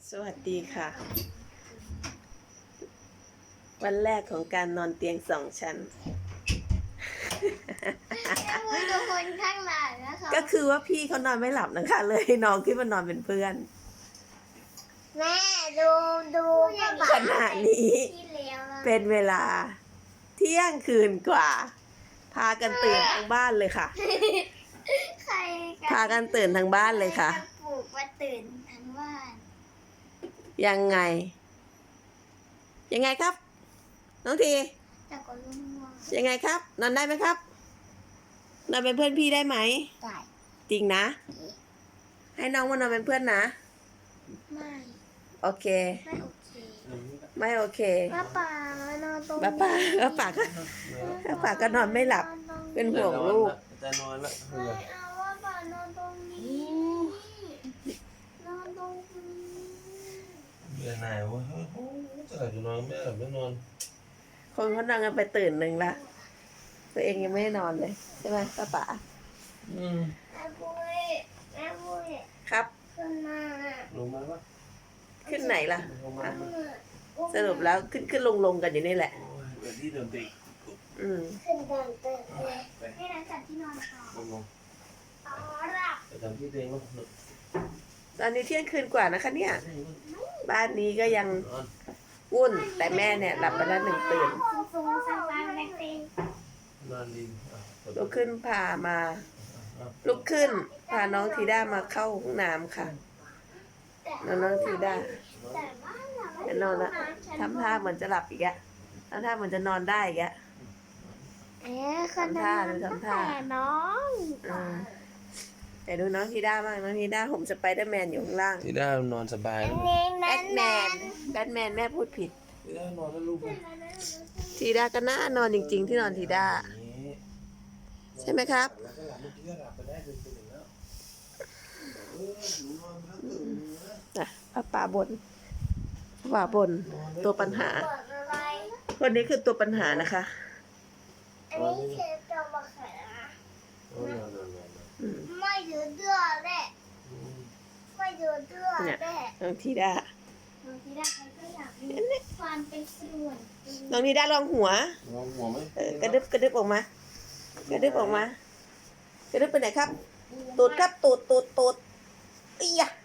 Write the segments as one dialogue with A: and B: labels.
A: สวัสดีค่ะ วันแรกของการนอนเตียง2 ชั้น
B: มือดูคนข้างหลังนะคะ
A: ก็คือว่าพี่เขานอนไม่หลับนะคะ เลยน้องขึ้นมานอนเป็นเพื่อน
B: แม่ดู
A: ขณะนี้
B: ที่เลี้ยวอะ
A: เป็นเวลาเที่ยงคืนกว่า พากันตื่นทั้งบ้านเลยค่ะ
B: ใคร
A: พากันตื่นทั้งบ้านเลยค่ะ
B: ใรจปลุกมาตื่นทั้งบ้าน
A: ยังไง ยังไงครับ น้องที
B: แต่ก็รุ่งว่าง
A: ยังไงครับ นอนได้ไหมครับ นอนเป็นเพื่อนพี่ได้ไหม
B: ได้
A: จริงนะ ให้น้องมานอนเป็นเพื่อนนะ
B: ไม่
A: โอเค
B: ไม่โอเค
A: ไม่โอเค
B: ป้าป๋านอนตรงนี้
A: ป้าป๋าก็นอนไม่หลับ เป็นห่วงลูก
C: จะนอนละ
B: ไม่เอาว่าป๋านอนตรงนี้ นอนตรงนี้
C: เบื่อหน่ายวะจะนอนไม่หลับไม่นอน
A: คนเขานอนกันไปตื่นหนึ่งละ ตัวเองยังไม่ได้นอนเลย ใช่ไหมป้าป๋า
B: แม่ปุ้ย
A: ครับ
B: ขึ้นมา
C: ลงมาปะ
A: ขึ้นไหนล่ะ
C: ลงมา
A: อ่ะ
C: ปะ
A: สรุปแล้วขึ้นลงกันอยู่นี่แหละ
C: โอ้ยเดี๋ยวที่เดิมติด
A: อืม
B: ขึ้นเดินเดินเลยให้นักจัดที่นอนต่อ
C: ลง
B: อ๋อหลับ
C: ไปทำที่เตียงมั้ง
A: ตอนนี้เที่ยงคืนกว่านะคะเนี่ย บ้านนี้ก็ยัง
C: นอน
A: วุ่น แต่แม่เนี่ยหลับไปแล้ว1 ตื่น
B: สูงสังวานแบกเต็ง
C: นอนดีอ่ะ
A: ลุกขึ้นพามา ลุกขึ้น พาน้องทีด้ามาเข้าห้องน้ำค่ะ น้องทีด้า
B: แต่ว่าเราไม่
A: จะนอนละทำท่าเหมือนจะหลับอีกอะทำท่าเหมือนจะนอนได้อีกอะ
B: คนทำท่า
A: แต่
B: น้อง
A: แต่ดูน้องทีด้าบ้างน้องทีด้าห่มสไปเดอร์แมนอยู่ข้างล่าง
C: ที่ได้นอนสบาย
B: อั
C: แล้
B: น
C: ว
B: นี้
A: แบทแมนแม่พูดผิด
C: ที่ได้นอนแล้วลูก
A: ทีด้าก็น่านอนจริง ๆ ที่นอนทีด้า ใช่ไหมครับ
C: แล้วก็หลับเมื่อกี้ก็หลับไปได้จนตื่นแล้วหนูนอนแล้วตื่นนะ
A: ป่าบนตัวปัญหา
B: เปิดอะไร
A: คนนี้คือตัวปัญหานะคะ
B: อันนี้เชฟจะมาขายนะ
C: นอนนอน
B: ไม่ดื้อเดือดแหละไม่ดื้อเดือดแหละ
A: น้องทีด้า
B: บางทีได้ใครก็อยากมีความเป็นส่วนตัว
A: น้องทีด้าลองหัว
C: นอนหัวไหม
A: กระดึบออกมา กระดึบไปไหนครับ ตูดครับตูดอียะ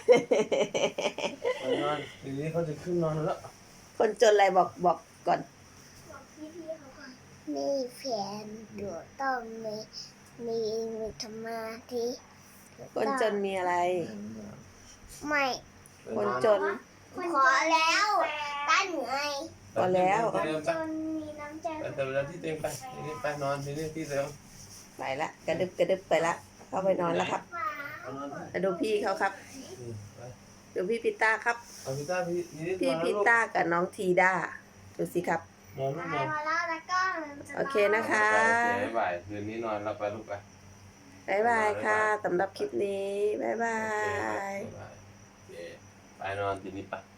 C: นอนทีนี้เขาจะขึ้นนอนแล้ว
A: คนจนอะไรบอกก่อน
B: บอกพี่เขาก่อนมีแผนอยู่ต้องมีสมาธิ
A: คนจนมีอะไร
B: ไม่
A: คนจน
B: ขอแล้วต้านเหนื่อย
A: พอแล้ว
B: จนมีน้ำใจ
C: แต่เวลาที่เตียงไปทีนี้ไปนอนทีนี้ที่เตียง
A: ไปละกระดึบไปละ เข้าไปนอนแล้วครับ
C: นอน
A: มาดูพี่เขาครับ
C: ไป
A: ดูพี่พิต้าครับ
C: เอาพี่ต้าพี่นี่
A: พี่พิต้ากับน้องทีด้า ดูสิครับ
C: นอนลูกนอน
B: มาแล้วแล้วก็
A: โอเคนะคะ
C: บ๊ายบายคืนนี้นอนแล้วไปลูกไป
A: บ๊ายบายค่ะสำหรับคลิปนี้ บ๊ายบาย
C: ไปนอนทีนี้ไป